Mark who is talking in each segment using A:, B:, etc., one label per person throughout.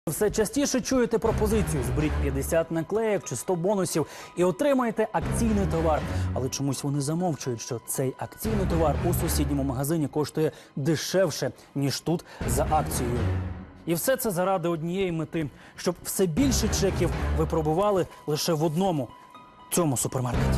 A: Все частіше чуєте пропозицію «зберіть 50 наклеїв чи 100 бонусів і отримаєте акційний товар». Але чомусь вони замовчують, що цей акційний товар у сусідньому магазині коштує дешевше, ніж тут за акцією. І все це заради однієї мети – щоб все більше чеків ви пробували лише в одному – цьому супермаркеті.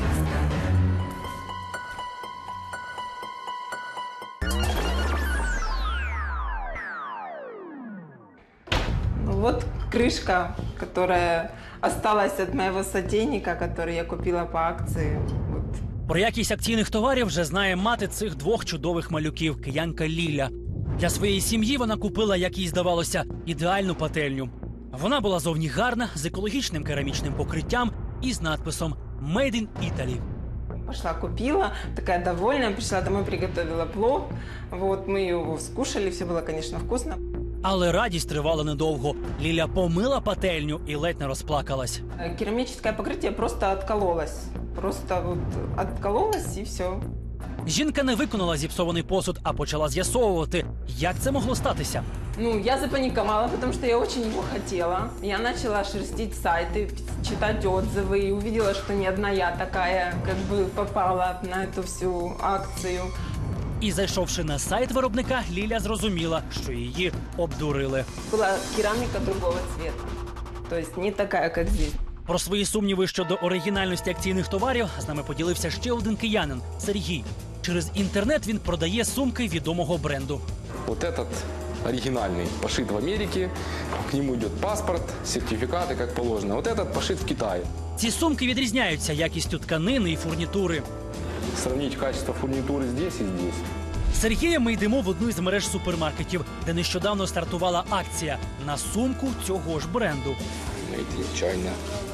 B: Вот крышка, которая осталась от моего сотейника, который я купила по акции. Вот.
A: Про якість акційних товарів вже знає мати цих двох чудових малюків – киянка Ліля. Для своєї сім'ї вона купила, як їй здавалося, ідеальну пательню. Вона була зовні гарна, з екологічним керамічним покриттям і з надписом «Made in Italy».
B: Пошла купила, такая довольная, пришла домой, приготовила плов. Вот, мы его скушали, все было, конечно, вкусно.
A: Але радість тривала недовго. Ліля помила пательню і ледь не розплакалась.
B: Керамическое покрытие просто откололось. Просто вот откололось и все.
A: Жінка не виконала зіпсований посуд, а почала з'ясовувати, як це могло статися.
B: Ну, я запаниковала, потому что я очень его хотела. Я начала шерстить сайты, читать отзывы и увидела, что не одна я такая, как бы попала на эту всю акцию.
A: І зайшовши на сайт виробника, Ліля зрозуміла, що її обдурили.
B: Была керамика другого цвета, то есть не такая, как здесь.
A: Про свої сумніви щодо оригінальності акційних товарів з нами поділився ще один киянин – Сергій. Через інтернет він продає сумки відомого бренду.
C: Вот этот оригинальный пошит в Америке, к нему идет паспорт, сертификаты, как положено. Вот этот пошит в Китае.
A: Ці сумки відрізняються якістю тканини і фурнітури.
C: Сравнить качество фурнитуры здесь и здесь.
A: З Сергієм ми йдемо в одну із мереж супермаркетів, де нещодавно стартувала акція на сумку цього ж бренду.
C: Made in China.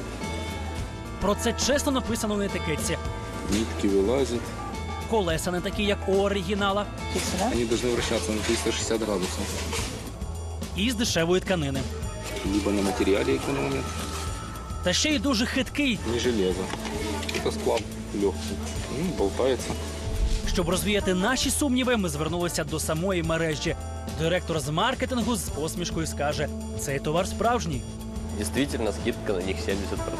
A: Про це чесно написано на етикетці.
C: Нитки вылазят.
A: Колеса не такі, як у оригінала.
C: Они должны вращаться на 360 градусов.
A: І з дешевої тканини.
C: Либо на материале экономят.
A: Та ще й дуже хиткий.
C: Не железо. Это сплав легкий. Болтается.
A: Щоб розвіяти наші сумніви, ми звернулися до самої мережі. Директор з маркетингу з посмішкою скаже, цей товар справжній.
D: Действительно, скидка на них 70%.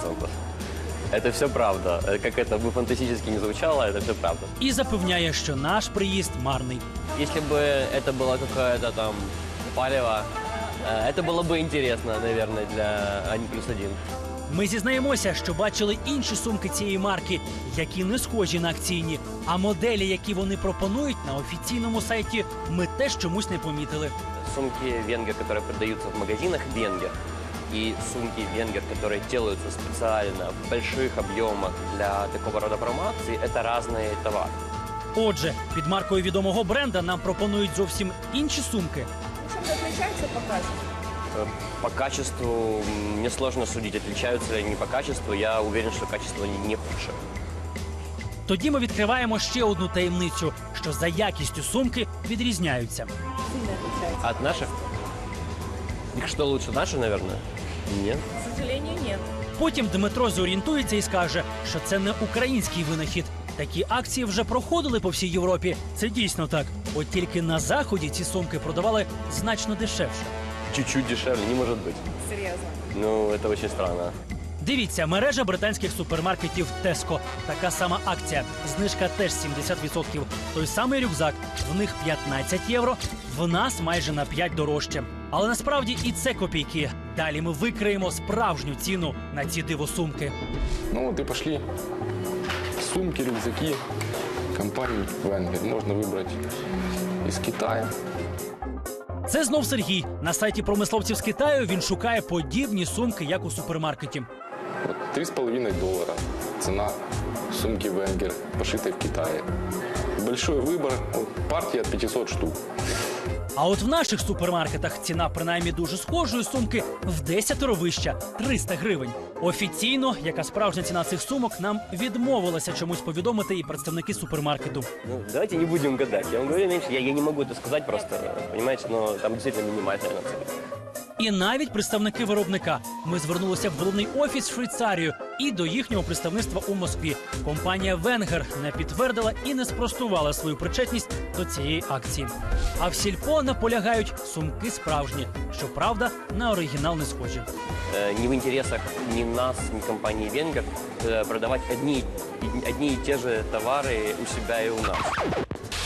D: Это все правда. Как это бы фантастически не звучало, это все правда.
A: І запевняє, що наш приїзд марний.
D: Если бы это была какая-то там палево, это было бы интересно, наверное, для Ани плюс один.
A: Ми зізнаємося, що бачили інші сумки цієї марки, які не схожі на акційні. А моделі, які вони пропонують на офіційному сайті, ми теж чомусь не помітили.
D: Сумки Венгер, которые продаются в магазинах Венгер, и сумки Венгер, которые делаются специально в больших объемах для такого рода промоакций, это разные товары.
A: Отже, під маркою відомого бренда нам пропонують зовсім інші сумки.
E: Чем-то отличается по качеству?
D: По качеству мне сложно судить, отличаются ли они по качеству. Я уверен, что качество не худшее.
A: Тоді ми відкриваємо ще одну таємницю, що за якістю сумки відрізняються.
E: Сильно отличается.
D: От наших? Их что лучше, наши, наверное? Нет.
E: К сожалению, нет.
A: Потім Дмитро зорієнтується і скаже, що це не український винахід. Такі акції вже проходили по всій Європі. Це дійсно так. От тільки на Заході ці сумки продавали значно дешевше.
D: Чуть-чуть дешевле, не может быть.
E: Серьезно.
D: Ну, это очень странно.
A: Дивіться, мережа британських супермаркетів Tesco. Така сама акція. Знижка теж 70%. Той самий рюкзак. В них 15 євро, в нас майже на 5 дорожче. Але насправді і це копійки. Далі ми викриємо справжню ціну на ці дивосумки.
C: Ну вот и пошли сумки, рюкзаки компании Венгер. Можно выбрать из Китая.
A: Це знов Сергій. На сайті промисловців з Китаю він шукає подібні сумки, як у супермаркеті.
C: Вот $3,5. Цена сумки Венгер, пошитой в Китае. Большой выбор, вот, партия от 500 штук.
A: А от в наших супермаркетах ціна принаймні дуже схожої сумки в 10 вища – 300 гривень. Офіційно, яка справжня ціна цих сумок, нам відмовилися чомусь повідомити і представники супермаркету.
D: Ну, давайте не будем гадать. Я вам говорю меньше, я не могу это сказать просто, понимаете, но там действительно минимальная наценка.
A: І навіть представники виробника. Ми звернулися в головний офіс в Швейцарію і до їхнього представництва у Москві. Компанія «Венгер» не підтвердила і не спростувала свою причетність до цієї акції. А в сільпо наполягають, сумки справжні. Щоправда, на оригінал не схожі.
D: Не в интересах ни нас, ни компании «Венгер» продавать одни и те же товары у себя и у нас.